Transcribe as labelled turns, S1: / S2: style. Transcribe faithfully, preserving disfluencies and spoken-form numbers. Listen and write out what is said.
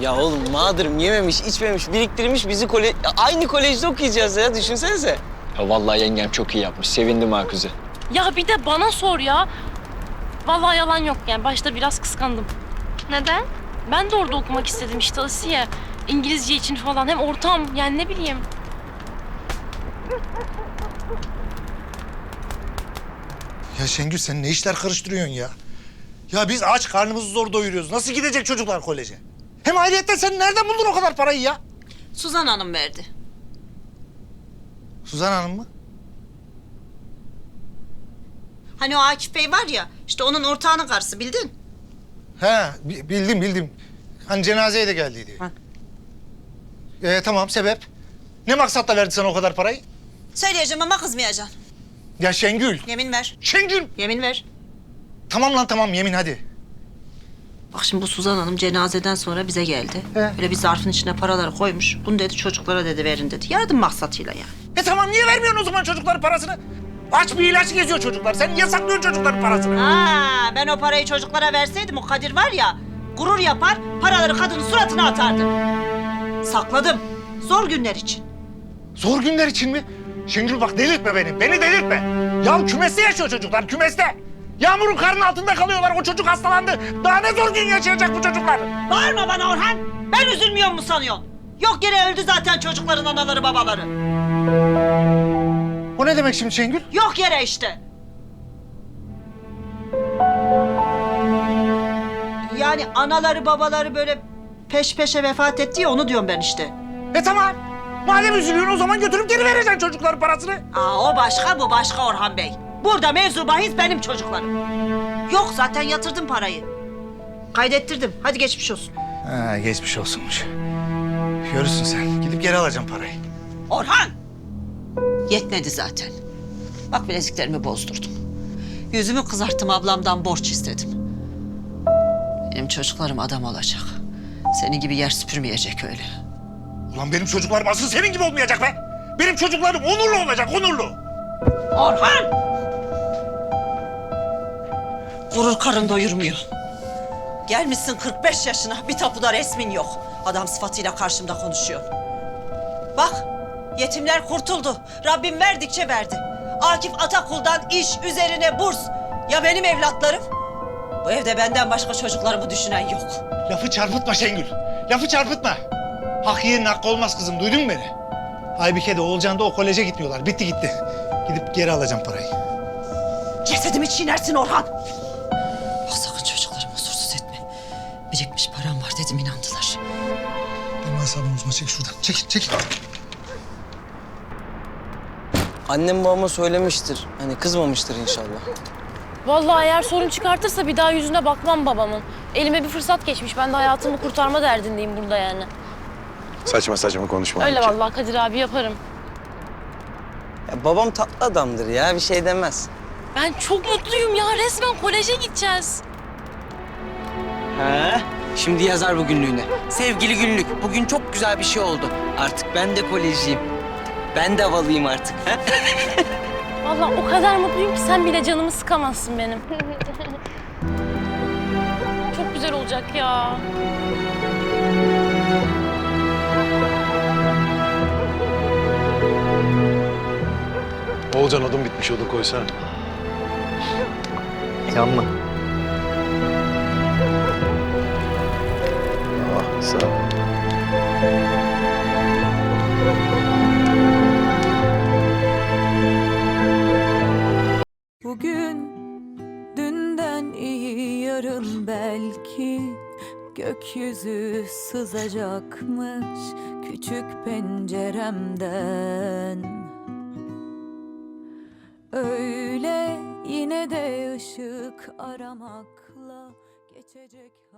S1: Ya oğlum mağdurum yememiş, içmemiş, biriktirmiş bizi kole... Ya aynı kolejde okuyacağız ya düşünsenize.
S2: Ya vallahi yengem çok iyi yapmış. Sevindim ha kızı.
S3: Ya bir de bana sor ya. Vallahi yalan yok yani. Başta biraz kıskandım.
S4: Neden?
S3: Ben de orada okumak istedim işte Asiye. İngilizce için falan. Hem ortam yani ne bileyim.
S5: Ya Şengül sen ne işler karıştırıyorsun ya? Ya biz aç karnımızı zor doyuruyoruz. Nasıl gidecek çocuklar koleje? Hem ayrıyetten sen nereden buldun o kadar parayı ya?
S6: Suzan Hanım verdi.
S5: Suzan Hanım mı?
S6: Hani o Akif Bey var ya, işte onun ortağının karısı bildin.
S5: He bi- bildim bildim. Hani cenazeye de geldiydi.
S6: Ha.
S5: Ee, tamam sebep? Ne maksatla verdi sana o kadar parayı?
S6: Söyleyeceğim ama kızmayacaksın.
S5: Ya Şengül.
S6: Yemin ver.
S5: Şengül.
S6: Yemin ver.
S5: Tamam lan tamam yemin hadi.
S6: Bak şimdi bu Suzan Hanım cenazeden sonra bize geldi.
S5: He.
S6: Böyle bir zarfın içine paraları koymuş. Bunu dedi çocuklara dedi verin dedi. Yardım maksatıyla yani.
S5: E tamam niye vermiyorsun o zaman çocukların parasını? Aç bir ilaç geziyor çocuklar. Sen niye saklıyorsun çocukların parasını?
S6: Ha, ben o parayı çocuklara verseydim o Kadir var ya, gurur yapar, paraları kadının suratına atardı. Sakladım. Zor günler için.
S5: Zor günler için mi? Şengül bak delirtme beni. Beni delirtme. Ya kümeste yaşıyor çocuklar kümeste. Yağmurun karnının altında kalıyorlar. O çocuk hastalandı. Daha ne zor gün yaşayacak bu çocuklar?
S6: Bağırma bana Orhan. Ben üzülmüyor mu sanıyorsun? Yok yere öldü zaten çocukların anaları babaları.
S5: O ne demek şimdi Şengül?
S6: Yok yere işte. Yani anaları babaları böyle peş peşe vefat etti ya onu diyorum ben işte.
S5: E tamam. Madem üzülüyorsun o zaman götürüp geri vereceksin çocukların parasını.
S6: Aa o başka bu başka Orhan Bey. Burada mevzu bahis benim çocuklarım. Yok zaten yatırdım parayı. Kaydettirdim. Hadi geçmiş olsun.
S5: Ha geçmiş olsunmuş. Görürsün sen. Gidip geri alacağım parayı.
S6: Orhan! Yetmedi zaten. Bak bileziklerimi bozdurdum. Yüzümü kızarttım ablamdan borç istedim. Benim çocuklarım adam olacak. Senin gibi yer süpürmeyecek öyle.
S5: Ulan benim çocuklarım asıl senin gibi olmayacak be. Benim çocuklarım onurlu olacak, onurlu.
S6: Orhan! Gurur karın doyurmuyor. Gelmişsin kırk beş yaşına bir tapuda resmin yok. Adam sıfatıyla karşımda konuşuyor. Bak yetimler kurtuldu. Rabbim verdikçe verdi. Akif Atakul'dan iş üzerine burs. Ya benim evlatlarım? Bu evde benden başka çocuklarımı düşünen yok.
S5: Lafı çarpıtma Şengül. Lafı çarpıtma. Hak yerin hakkı olmaz kızım. Duydun mu beni? Aybike de Oğulcan da o koleje gitmiyorlar. Bitti gitti. Gidip geri alacağım parayı.
S6: Cesedimi çiğnersin Orhan. Bak sakın çocuklarımı huzursuz etme. Birikmiş param var dedim inandılar.
S5: Benim asabımı bozma. Çek şuradan. Çek, çek.
S1: Annem babama söylemiştir. Hani kızmamıştır inşallah.
S3: Vallahi eğer sorun çıkartırsa bir daha yüzüne bakmam babamın. Elime bir fırsat geçmiş. Ben de hayatımı kurtarma derdindeyim burada yani.
S7: Saçma saçma konuşma.
S3: Öyle
S7: Ayşe.
S3: vallahi Kadir abi yaparım.
S1: Ya babam tatlı adamdır ya bir şey demez.
S3: Ben çok mutluyum ya. Resmen koleje gideceğiz.
S1: He? Şimdi yazar bu günlüğüne. Sevgili günlük, bugün çok güzel bir şey oldu. Artık ben de kolejciyim. Ben de havalıyım artık. He?
S3: Vallahi o kadar mutluyum ki sen bile canımı sıkamazsın benim. Çok güzel olacak ya.
S7: Oğulcan odun bitmiş, odun koysana.
S1: Yanma.
S7: Ah sağ ol.
S8: Bugün dünden iyi yarın belki gökyüzü sızacakmış küçük penceremden. Öyle yine de ışık aramakla geçecek.